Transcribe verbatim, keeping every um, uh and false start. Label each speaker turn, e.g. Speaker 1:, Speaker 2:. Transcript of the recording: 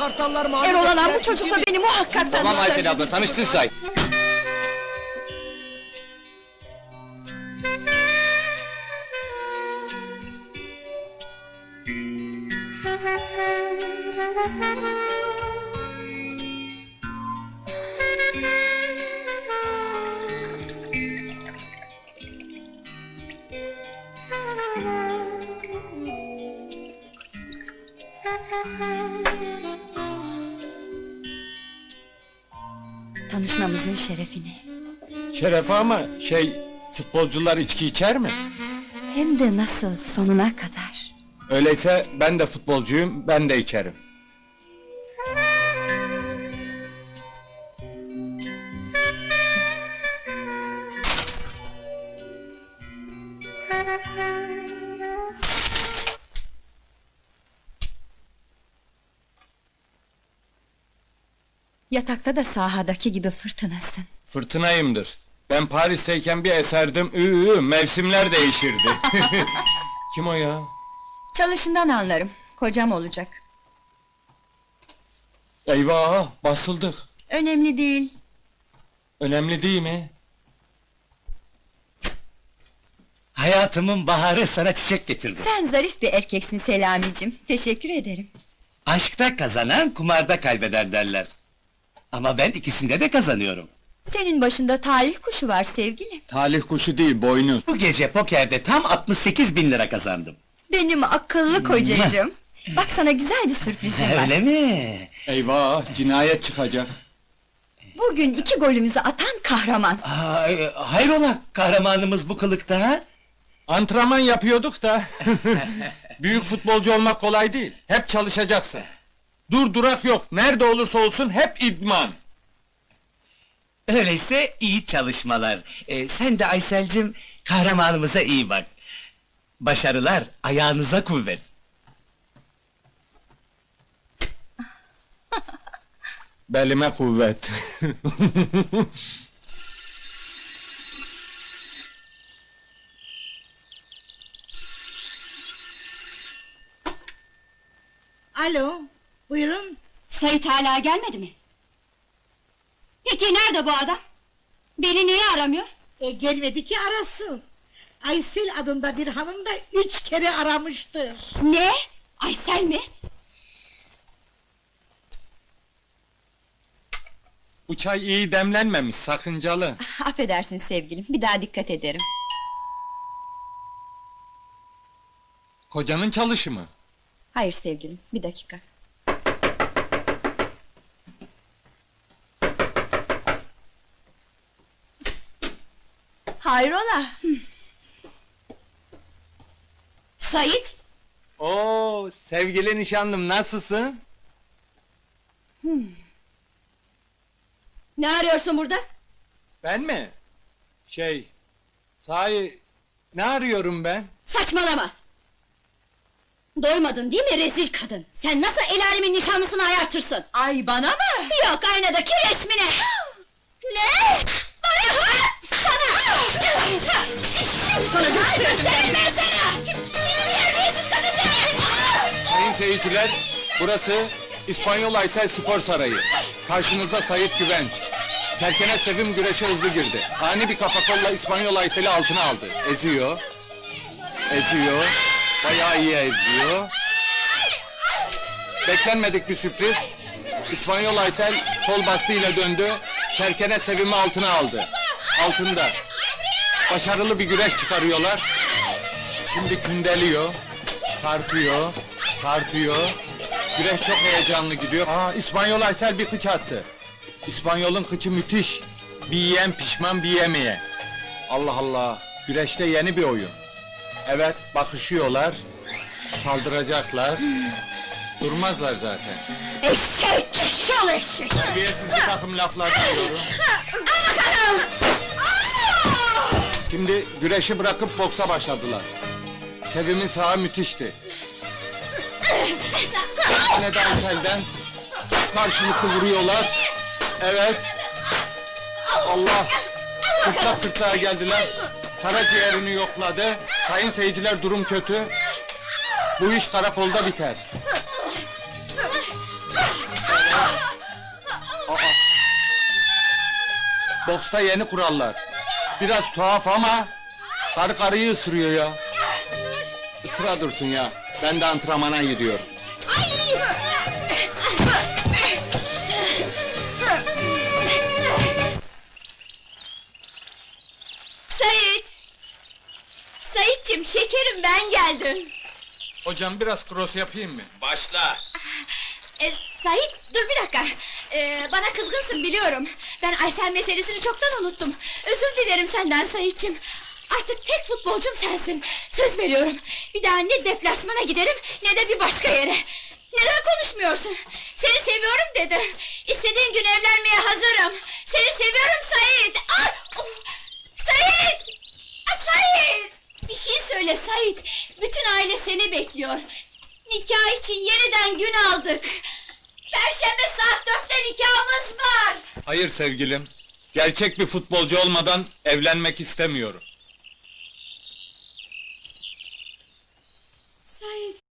Speaker 1: Kartallar mağlup
Speaker 2: Erol Alan
Speaker 1: ettiler,
Speaker 2: bu çocukla
Speaker 1: iki bir-
Speaker 2: beni muhakkak
Speaker 3: Tamam
Speaker 2: tanıştır.
Speaker 3: Aysel abla, tanıştın say.
Speaker 2: Tanışmamızın şerefine.
Speaker 4: Şerefe ama şey, futbolcular içki içer mi?
Speaker 2: Hem de nasıl, sonuna kadar.
Speaker 4: Öyleyse ben de futbolcuyum, ben de içerim.
Speaker 2: Yatakta da sahadaki gibi fırtınasın.
Speaker 4: Fırtınayımdır. Ben Paris'teyken bir eserdim, ıı, mevsimler değişirdi. Kim o ya?
Speaker 2: Çalışından anlarım, kocam olacak.
Speaker 4: Eyvah, basıldık.
Speaker 2: Önemli değil.
Speaker 4: Önemli değil mi?
Speaker 3: Hayatımın baharı sana çiçek getirdi.
Speaker 2: Sen zarif bir erkeksin Selamicim, teşekkür ederim.
Speaker 3: Aşkta kazanan kumarda kaybeder derler. Ama ben ikisinde de kazanıyorum.
Speaker 2: Senin başında talih kuşu var sevgilim.
Speaker 4: Talih kuşu değil, boynuz.
Speaker 3: Bu gece pokerde tam altmış sekiz bin lira kazandım.
Speaker 2: Benim akıllı kocacığım. Bak sana güzel bir sürprizim var.
Speaker 3: Öyle mi?
Speaker 4: Eyvah, cinayet çıkacak.
Speaker 2: Bugün iki golümüzü atan kahraman.
Speaker 3: Aa, e, hayrola kahramanımız bu kılıkta ha?
Speaker 4: Antrenman yapıyorduk da. Büyük futbolcu olmak kolay değil. Hep çalışacaksın. Dur durak yok. Nerede olursa olsun hep idman.
Speaker 3: Öyleyse iyi çalışmalar. Ee, sen de Aysel'cim kahramanımıza iyi bak. Başarılar, ayağınıza kuvvet.
Speaker 4: Belime kuvvet.
Speaker 5: Alo, buyurun.
Speaker 6: Sait hala gelmedi mi? Peki nerede bu adam? Beni niye aramıyor?
Speaker 5: E, gelmedi ki arasın. Aysel adında bir hanım da üç kere aramıştır.
Speaker 6: Ne? Aysel mi?
Speaker 4: Bu çay iyi demlenmemiş, sakıncalı.
Speaker 2: Affedersin sevgilim, bir daha dikkat ederim.
Speaker 4: Kocanın çalışı mı?
Speaker 2: Hayır sevgilim, bir dakika. Hayrola?
Speaker 6: Sait?
Speaker 4: Oo, sevgili nişanlım, nasılsın?
Speaker 6: Ne arıyorsun burada?
Speaker 4: Ben mi? Şey, sahi, ne arıyorum ben?
Speaker 6: Saçmalama! Doymadın değil mi rezil kadın? Sen nasıl el alemin nişanlısını ayartırsın?
Speaker 2: Ay bana mı?
Speaker 6: Yok aynadaki resmine! Ne? Bana! Sana! Sana gösteririm ben sana! Seni terbiyesiz kadın seni!
Speaker 4: Sayın seyirciler, burası İspanyol Aysel Spor Sarayı. Karşınızda Sayit Güvenç. Terkene Sevim güreşe hızlı girdi. Ani bir kafa kolla İspanyol Aysel'i altına aldı. Eziyor. Eziyor. Bayağı iyi eziyor. Beklenmedik bir sürpriz. İspanyol Aysel kol bastığıyla döndü. Terkene Sevim'i altına aldı. Altında. Başarılı bir güreş çıkarıyorlar. Şimdi kündeliyor. Tartıyor. Tartıyor. Güreş çok heyecanlı gidiyor. Aa, İspanyol Aysel bir kıç attı. İspanyol'un kıçı müthiş. Bir yiyen pişman, bir yemeye. Allah Allah. Güreşte yeni bir oyun. Evet, bakışıyorlar. Saldıracaklar. Durmazlar zaten.
Speaker 6: Eşek! Şal eşek!
Speaker 4: Terbiyesiz bir takım laflar duyuyorum. Şimdi güreşi bırakıp boksa başladılar. Sevim'in sağı müthişti. Yine de Aysel'den karşılıklı vuruyorlar. Evet. Allah! Kırtlak kırtlağa geldiler. Karaciğerini yokladı. Sayın seyirciler, durum kötü. Bu iş karakolda biter. Boksta yeni kurallar. Biraz tuhaf ama karı karıyı ısırıyor ya. Isıra dursun ya. Ben de antrenmana gidiyorum.
Speaker 2: Sait! Saitçim, şekerim, ben geldim.
Speaker 4: Hocam biraz cross yapayım mı?
Speaker 3: Başla.
Speaker 2: E, Sait, dur bir dakika. E, bana kızgınsın biliyorum. Ben Aysel meselesini çoktan unuttum. Özür dilerim senden Saitçim. Artık tek futbolcum sensin. Söz veriyorum. Bir daha ne deplasmana giderim ne de bir başka yere. Neden konuşmuyorsun? Seni seviyorum dedim. İstediğin gün evlenmeye hazırım. Seni seviyorum Sait. Ah, of! Sait! Ah, Sait! Bir şey söyle Sait. Bütün aile seni bekliyor. Nikah için yeniden gün aldık. Perşembe saat dörtte nikahımız var.
Speaker 4: Hayır sevgilim. Gerçek bir futbolcu olmadan evlenmek istemiyorum.
Speaker 2: Sait.